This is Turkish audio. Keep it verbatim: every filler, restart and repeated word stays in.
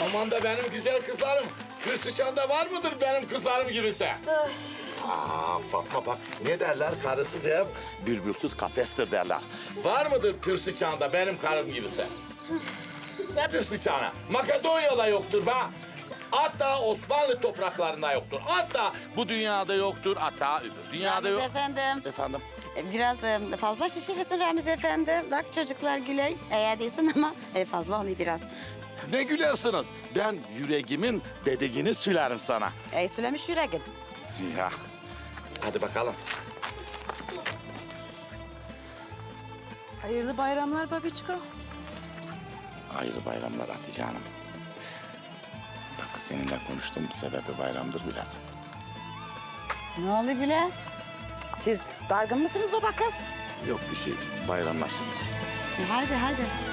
Aman da benim güzel kızlarım. Hüsnüçan'da var mıdır benim kızlarım gibisi? Aa Fatma bak ne derler karısız ev bülbülsüz kafestir derler. Var mıdır Pürsüçan'da benim karım gibisi? Ne Pürsüçan'a? Makedonya'da yoktur be. Hatta Osmanlı topraklarında yoktur. Hatta bu dünyada yoktur. Hatta öbür dünyada Ramiz yok. efendim. Efendim? Biraz e, fazla şişirirsin Ramiz efendi. Bak çocuklar güley. Eğer değilsin ama e, fazla oluyor biraz. Ne gülersiniz? Ben yüreğimin dediğini sülerim sana. E, söylemiş yüreğin. Ya. Hadi bakalım. Hayırlı bayramlar babiçko. Hayırlı bayramlar Hatice Hanım. Bak seninle konuştuğum sebebi bayramdır biraz. Ne oluyor bile? Siz dargın mısınız baba kız? Yok bir şey bayramlaşırız. E, haydi haydi.